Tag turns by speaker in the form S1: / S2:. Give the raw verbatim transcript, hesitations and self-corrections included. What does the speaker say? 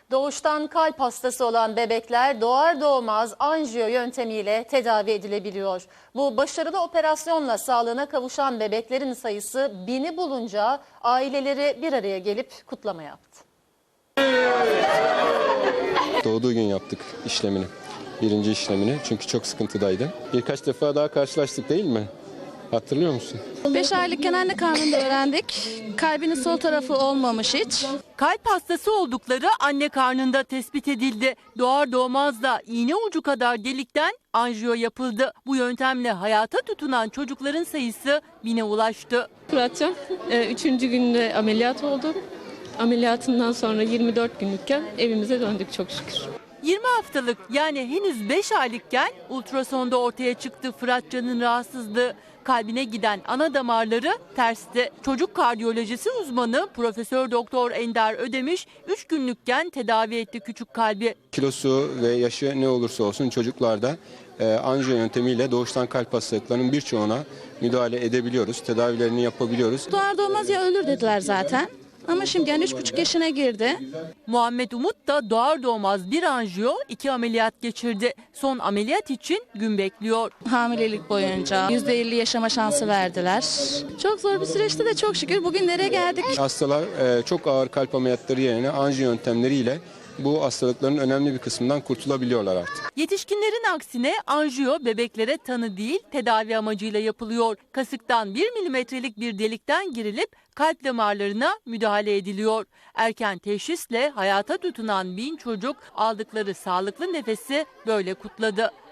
S1: Doğuştan kalp hastası olan bebekler doğar doğmaz anjiyo yöntemiyle tedavi edilebiliyor. Bu başarılı operasyonla sağlığına kavuşan bebeklerin sayısı bini bulunca aileleri bir araya gelip kutlama yaptı.
S2: Doğduğu gün yaptık işlemini, birinci işlemini çünkü çok sıkıntıdaydı. Birkaç defa daha karşılaştık değil mi? Hatırlıyor musun?
S3: beş aylıkken anne karnında öğrendik. Kalbinin sol tarafı olmamış hiç.
S4: Kalp hastası oldukları anne karnında tespit edildi. Doğar doğmaz da iğne ucu kadar delikten anjiyo yapıldı. Bu yöntemle hayata tutunan çocukların sayısı bine ulaştı.
S5: Fıratcan üçüncü günde ameliyat oldu. Ameliyatından sonra yirmi dört günlükken evimize döndük çok şükür.
S4: yirmi haftalık yani henüz beş aylıkken ultrasonda ortaya çıktı Fıratcan'ın rahatsızlığı. Kalbine giden ana damarları tersti. Çocuk kardiyolojisi uzmanı Profesör Doktor Ender Ödemiş üç günlükken tedavi etti küçük kalbi.
S2: Kilosu ve yaşı ne olursa olsun çocuklarda e, anjiyo yöntemiyle doğuştan kalp hastalıklarının birçoğuna müdahale edebiliyoruz, tedavilerini yapabiliyoruz.
S3: Doğar doğmaz ya ölür dediler zaten. Ama şimdi yani üç buçuk yaşına girdi.
S4: Muhammed Umut da doğar doğmaz bir anjiyo, iki ameliyat geçirdi. Son ameliyat için gün bekliyor.
S3: Hamilelik boyunca yüzde elli yaşama şansı verdiler. Çok zor bir süreçte de çok şükür bugünlere geldik.
S2: Hastalar e, çok ağır kalp ameliyatları yerine anjiyo yöntemleriyle bu hastalıkların önemli bir kısmından kurtulabiliyorlar artık.
S4: Yetişkinlerin aksine anjiyo bebeklere tanı değil tedavi amacıyla yapılıyor. Kasıktan bir milimetrelik bir delikten girilip kalp damarlarına müdahale ediliyor. Erken teşhisle hayata tutunan bin çocuk aldıkları sağlıklı nefesi böyle kutladı.